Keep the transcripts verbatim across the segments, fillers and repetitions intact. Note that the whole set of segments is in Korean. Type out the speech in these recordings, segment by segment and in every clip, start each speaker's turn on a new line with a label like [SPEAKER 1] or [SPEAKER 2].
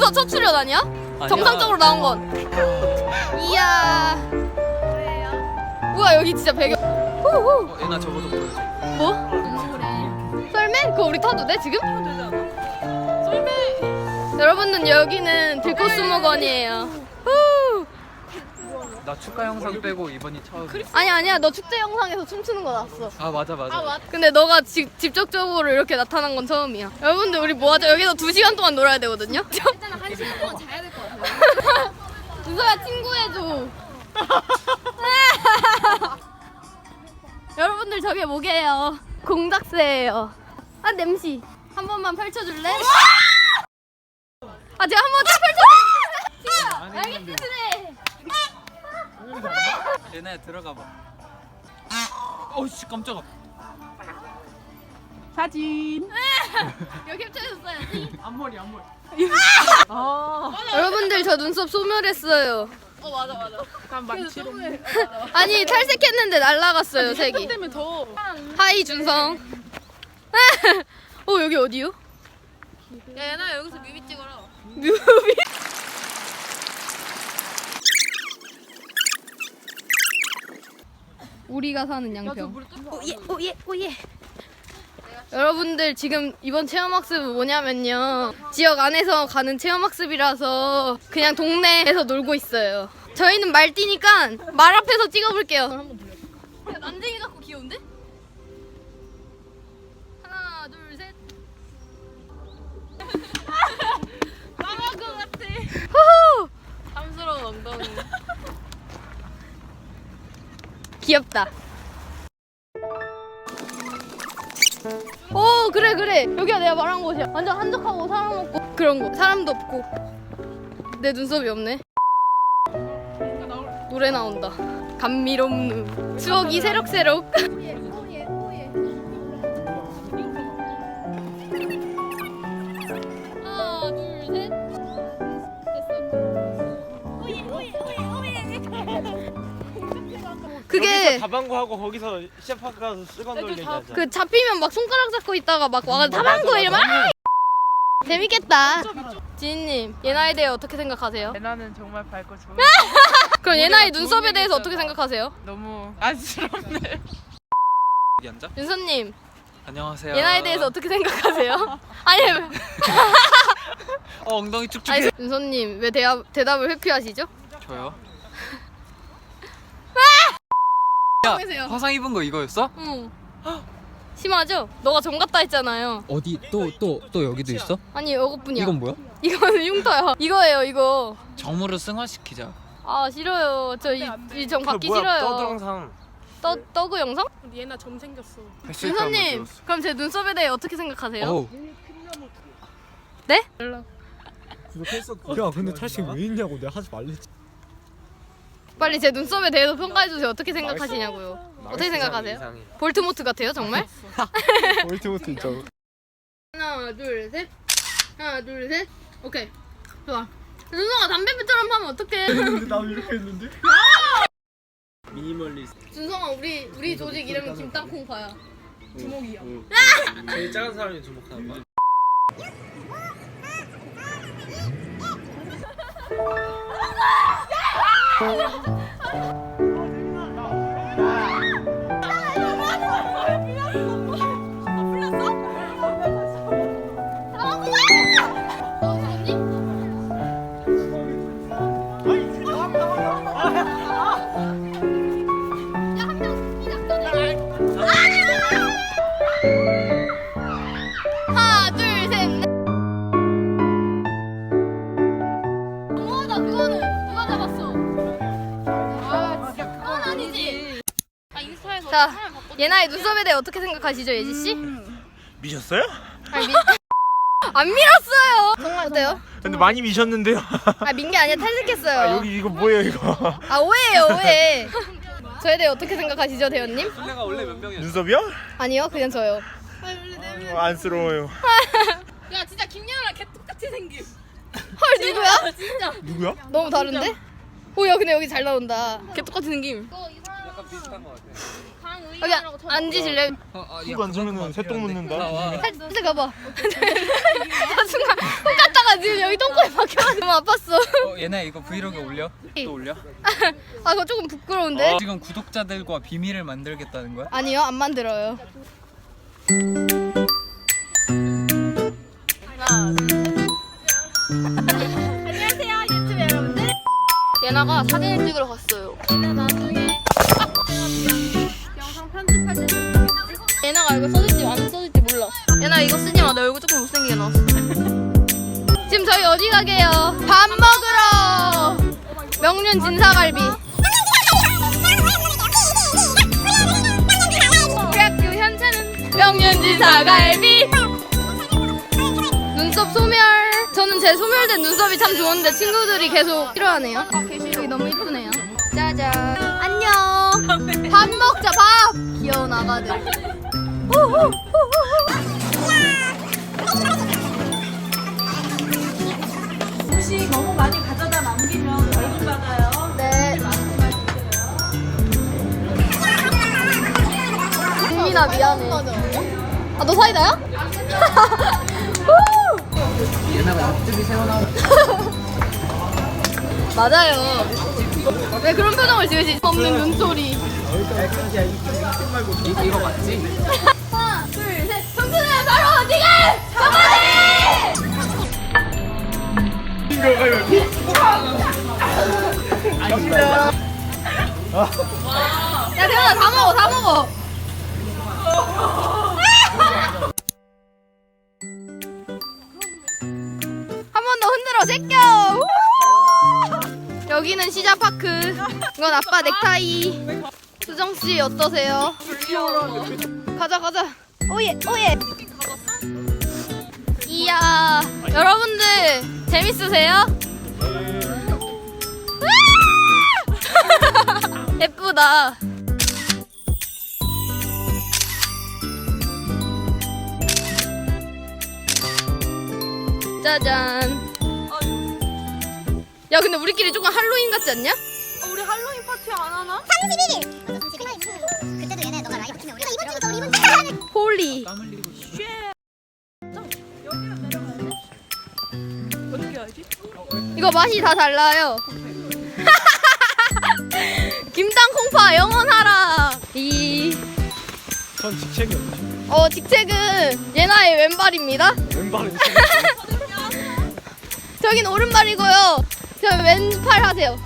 [SPEAKER 1] 벌써 첫 출연 아니야?
[SPEAKER 2] 아니야.
[SPEAKER 1] 정상적으로 나온 건. 이야. 우와 여기 진짜 배경. 후후.
[SPEAKER 2] 어, 얘나 저거 좀 보여줘.
[SPEAKER 1] 뭐? 썰매? 그거 우리 타도 돼 지금? 썰매. 여러분들 여기는 들꽃수목원이에요. 후.
[SPEAKER 2] 나 축가 영상 빼고 이번이 처음.
[SPEAKER 1] 아니 아니야 너 축제 영상에서 춤추는 거 나왔어.
[SPEAKER 2] 아 맞아 맞아.
[SPEAKER 1] 근데 너가 지, 직접적으로 이렇게 나타난 건 처음이야. 여러분들 우리 뭐 하죠? 여기서 두 시간 동안 놀아야 되거든요?
[SPEAKER 3] 일단 한 시간 동안 자야 될 것 같아요.
[SPEAKER 1] 누서야 친구해줘. 여러분들 저게 뭐게요? 공작새예요. 아 냄새. 한 번만 펼쳐줄래? 아 제가 한 번 딱 펼쳐줄래? 알겠지?
[SPEAKER 2] 얘네 들어가 봐. 어씨 깜짝아.
[SPEAKER 4] 사진.
[SPEAKER 1] 이거 캡처해줬어야지.
[SPEAKER 4] 앞머리 앞머리.
[SPEAKER 1] 여러분들 저 눈썹 소멸했어요.
[SPEAKER 3] 어 맞아 맞아.
[SPEAKER 4] 난 망치로.
[SPEAKER 1] 아니 탈색했는데 날라갔어요 색이.
[SPEAKER 4] 때문에 더.
[SPEAKER 1] 하이 준성. 어 여기 어디요?
[SPEAKER 3] 야 얘나 여기서 뮤비 찍어라.
[SPEAKER 1] 뮤비. 우리가 사는 양평. 오예 오예 오예. 여러분들 지금 이번 체험학습 뭐냐면요 지역 안에서 가는 체험학습이라서 그냥 동네에서 놀고 있어요. 저희는 말띠니까 말 앞에서 찍어볼게요. 야, 난쟁이 같고 귀여운데? 하나 둘 셋.
[SPEAKER 3] 나갈 것 같아.
[SPEAKER 1] 후후.
[SPEAKER 3] 탐스러운 엉덩이.
[SPEAKER 1] 귀엽다. 오 그래 그래 여기가 내가 말한 곳이야. 완전 한적하고 사람 없고 그런 거. 사람도 없고 내 눈썹이 없네. 노래 나온다. 감미롭는 추억이 새록새록. 하나 둘 셋. 그게
[SPEAKER 5] 다방구 하고 거기서 시합학 가서 쓰건 돌리자.
[SPEAKER 1] 그 잡히면 막 손가락 잡고 있다가 막 와가 다방구 이러면 아! 재밌겠다. 지인님 예나에 대해 어떻게 생각하세요?
[SPEAKER 4] 예나는 정말 밝고 좋은.
[SPEAKER 1] 그럼 예나의
[SPEAKER 4] 좋은
[SPEAKER 1] 눈썹에
[SPEAKER 4] 얘기
[SPEAKER 1] 대해서
[SPEAKER 4] 있어서.
[SPEAKER 1] 어떻게 생각하세요?
[SPEAKER 4] 너무 안쓰럽네.
[SPEAKER 2] 여기 앉아.
[SPEAKER 1] 윤서님
[SPEAKER 2] 안녕하세요.
[SPEAKER 1] 예나에 대해서 어떻게 생각하세요? 아니
[SPEAKER 2] 어 엉덩이 축축해.
[SPEAKER 1] 아니 윤서님 왜 대답, 대답을 회피하시죠?
[SPEAKER 2] 저요.
[SPEAKER 1] 보세요.
[SPEAKER 2] 야 화상 입은 거 이거였어?
[SPEAKER 1] 응. 심하죠? 너가 정 같다 했잖아요.
[SPEAKER 2] 어디 또 또 또 여기도 있어?
[SPEAKER 1] 아니 이것뿐이야.
[SPEAKER 2] 이건 뭐야?
[SPEAKER 1] 이거는 흉터야. 이거예요 이거.
[SPEAKER 2] 정으로 승화시키자.
[SPEAKER 1] 아 싫어요. 저 이 정 받기
[SPEAKER 5] 뭐야,
[SPEAKER 1] 싫어요.
[SPEAKER 5] 떠들어상.
[SPEAKER 1] 떠 떠그 영상?
[SPEAKER 4] 예나 점 생겼어.
[SPEAKER 1] 윤서님 그럼 제 눈썹에 대해 어떻게 생각하세요?
[SPEAKER 2] 어우.
[SPEAKER 1] 네?
[SPEAKER 5] 야 근데 탈색 왜 있냐고 내가 하지 말랬지.
[SPEAKER 1] 빨리 제 눈썹에 대해서 평가해 주세요. 어떻게 생각하시냐고요? 어떻게 생각하세요? 볼트모트 같아요 정말?
[SPEAKER 5] 볼트모트 진짜.
[SPEAKER 1] 하나 둘 셋. 하나 둘 셋. 오케이. 좋아. 준성아 담배배처럼 하면 어떡해?
[SPEAKER 5] 근데 나도 이렇게 했는데. 미니멀리스트.
[SPEAKER 1] 준성아 우리 우리 조직 이름은 김땅콩파야.
[SPEAKER 4] 주먹이야.
[SPEAKER 5] 제일 작은 사람이 주목하는 거야.
[SPEAKER 1] 하나 둘 셋 넷. 너무하다 그거는 누가 잡았어? 아 진짜 그건 아니지.
[SPEAKER 3] 아 인스타에서
[SPEAKER 1] 자
[SPEAKER 3] 사람 바꿔.
[SPEAKER 1] 예나의 눈썹에 대해 어떻게 생각하시죠 예지 씨?
[SPEAKER 5] 미셨어요?
[SPEAKER 1] 아니 미... 안 밀었어요. 정말 어때요?
[SPEAKER 5] 근데 많이 미셨는데요.
[SPEAKER 1] 아 민 게 아니라 탈색했어요.
[SPEAKER 5] 아 여기 이거 뭐예요 이거?
[SPEAKER 1] 아 오해예요 오해. 저에 대해 어떻게 생각하시죠 대현님?
[SPEAKER 2] 내가 원래 몇 명이었어?
[SPEAKER 5] 눈썹이요?
[SPEAKER 1] 아니요 그냥 저요.
[SPEAKER 5] 아, 안쓰러워요.
[SPEAKER 3] 야 진짜 김연아랑 개 똑같이 생김.
[SPEAKER 1] 헐 누구야?
[SPEAKER 3] 진짜.
[SPEAKER 5] 누구야?
[SPEAKER 1] 너무 다른데? 오야 근데 여기 잘 나온다.
[SPEAKER 3] 개 똑같은 생김.
[SPEAKER 2] 약간 비슷한 거 같아.
[SPEAKER 1] 여기
[SPEAKER 3] 강의라고 쳐.
[SPEAKER 1] 앉으실래요?
[SPEAKER 2] 어, 어,
[SPEAKER 5] 훅 앉으면은 새똥 묻는다.
[SPEAKER 2] 나와.
[SPEAKER 1] 살짝 가봐. 저 순간 훅 갔다가 지금 여기 똥꼬에 박혀가지고 너무 아팠어.
[SPEAKER 2] 어, 얘네 이거 브이로그 올려? 또 올려?
[SPEAKER 1] 아 그거 조금 부끄러운데?
[SPEAKER 2] 지금 구독자들과 비밀을 만들겠다는 거야?
[SPEAKER 1] 아니요 안 만들어요. 안녕하세요 유튜브 여러분들. 예나가 사진을 찍으러 갔어요. 나중에 영상 편집할 때 예나가 이거 써질지 안 써질지 몰라. 예나 이거 쓰지 마. 내 얼굴 조금 못생기게 나왔어. 지금 저희 어디 가게요? 밥 먹으러. 명륜 진사갈비. 우리 학교 현재는 명륜 진사갈비. 눈썹 소멸. 저는 제 소멸된 눈썹이 참 좋은데 친구들이 계속 싫어하네요. 여기 너무 이쁘네요. 짜잔. 안녕. 밥 먹자 밥. 귀여운 아가들.
[SPEAKER 6] 혹시 너무 많이 가져다 남기면 벌금 받아요.
[SPEAKER 1] 네. 민민아 미안해. 아 너 사이다야?
[SPEAKER 2] 얘네가 옆집이 새어나온
[SPEAKER 1] 맞아요. 왜 그런 표정을 지으시지? 없는 눈소리.
[SPEAKER 2] 이, 이거 맞지?
[SPEAKER 1] 하나, 둘, 셋. 청춘은 바로 지금! 정원이! 야, 대현아, 다 먹어, 다 먹어. 한 번 더 흔들어, 제껴! 여기는 시자파크. 이건 아빠 넥타이. 수정씨, 어떠세요? 가자, 가자. 오예, 오예. 이야, 여러분들 재밌으세요? 예쁘다. 짜잔. 야, 근데 우리끼리 조금 할로윈 같지 않냐?
[SPEAKER 3] 우리 할로윈 파티 안 하나?
[SPEAKER 7] 그때도 얘네 너가 라이브 키면 우리가 이번 주부터 우리 이번 주
[SPEAKER 1] 홀리.
[SPEAKER 2] 땀 흘리고 싶어.
[SPEAKER 4] 어떻게 알지?
[SPEAKER 1] 이거 맛이 다 달라요. 김땅콩파 영원하라. 이.
[SPEAKER 5] 전 직책이 없지.
[SPEAKER 1] 어 직책은 예나의 왼발입니다.
[SPEAKER 5] 왼발은
[SPEAKER 1] 저긴 오른발이고요. 저 왼팔 하세요.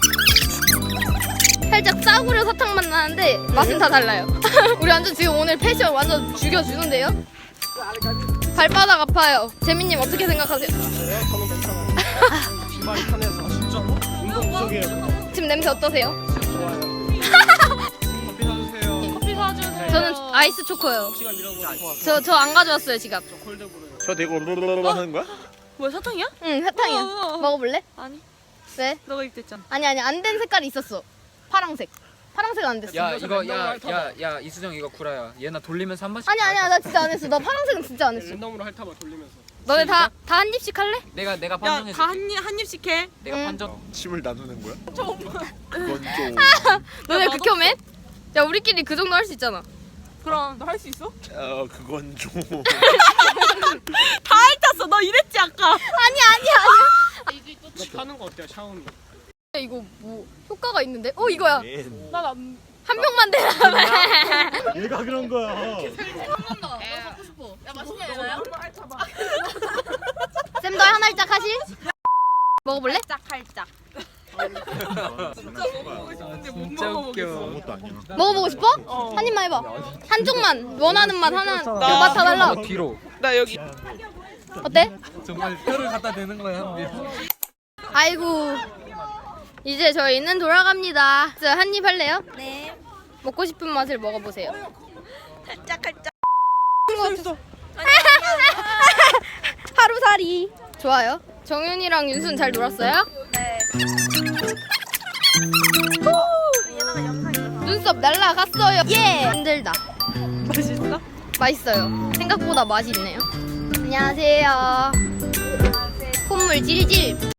[SPEAKER 1] 살짝 싸구려 사탕 맛 나는데 맛은 다 달라요. 우리 완전 지금 오늘 패션 완전 죽여주는데요? 발바닥 아파요. 재민님 어떻게 생각하세요?
[SPEAKER 5] 저는 괜찮아요. 신발이 편해서 진짜로? 운동 부족이에요.
[SPEAKER 1] 지금 냄새 어떠세요?
[SPEAKER 5] 좋아요. 커피 사주세요.
[SPEAKER 3] 커피 사주세요.
[SPEAKER 1] 저는 아이스 초코요.
[SPEAKER 5] 시간 잃어버리지 마.
[SPEAKER 1] 저 저 안 가져왔어요 지갑.
[SPEAKER 5] 저 대고 르르르르 하는 거야?
[SPEAKER 3] 뭐야 사탕이야?
[SPEAKER 1] 응 사탕이야.
[SPEAKER 3] 어, 어, 어.
[SPEAKER 1] 먹어볼래?
[SPEAKER 3] 아니.
[SPEAKER 1] 왜?
[SPEAKER 3] 너가 입댔잖아.
[SPEAKER 1] 아니 아니 안 된 색깔이 있었어. 파랑색. 파랑색 안 됐어.
[SPEAKER 2] 야 이거 야 야 야 이수정 이거 구라야. 얘나 돌리면서 한 번씩.
[SPEAKER 1] 아니 아니야 나 진짜 안 했어. 나 파랑색은 진짜 안 했어.
[SPEAKER 5] 랜덤으로 핥아봐 돌리면서.
[SPEAKER 1] 너네 다 다 한 입씩 할래?
[SPEAKER 2] 내가 내가 판정해.
[SPEAKER 3] 야다 한 입 한 입씩 해.
[SPEAKER 2] 내가
[SPEAKER 1] 응.
[SPEAKER 2] 판정.
[SPEAKER 5] 침을 나누는 거야? 좀. 그건 좀.
[SPEAKER 1] 너네 극혐해? 야 우리끼리 그 정도 할 수 있잖아.
[SPEAKER 3] 그럼 너 할 수 있어?
[SPEAKER 5] 어 그건 좀.
[SPEAKER 3] 다 핥았어. 너 이랬지 아까.
[SPEAKER 1] 아니 아니 아니.
[SPEAKER 5] 하는 거 어때요 샤워는?
[SPEAKER 1] 이거 뭐 효과가 있는데? 어 이거야.
[SPEAKER 3] 난안
[SPEAKER 1] 한 병만 대라.
[SPEAKER 5] 얘가 그런 거야.
[SPEAKER 3] 야 맛있냐 얘나야?
[SPEAKER 1] 쌤도 한 알짝 하실? 먹어볼래?
[SPEAKER 3] 짝할짝.
[SPEAKER 2] 진짜 웃겨.
[SPEAKER 5] 아무것도 아니야.
[SPEAKER 1] 먹어보고 싶어? 한 입만 해봐. 한쪽만 원하는 맛 하나. 그
[SPEAKER 3] 나-
[SPEAKER 1] 맛 다 달라.
[SPEAKER 2] 어, 뒤로.
[SPEAKER 3] 나 여기.
[SPEAKER 1] 어때?
[SPEAKER 2] 정말 뼈를 갖다 대는 거야 한 bil.
[SPEAKER 1] 아이고 이제 저희는 돌아갑니다. 한 입 할래요? 네. 먹고 싶은 맛을 먹어보세요.
[SPEAKER 3] 짝할짝.
[SPEAKER 1] 하루살이 좋아요. 정윤이랑 윤수는 잘 놀았어요? 네. 눈썹 날라갔어요. 예. 힘들다.
[SPEAKER 3] 맛있어?
[SPEAKER 1] 맛있어요. 생각보다 맛이 있네요. 안녕하세요. 콧물 질질.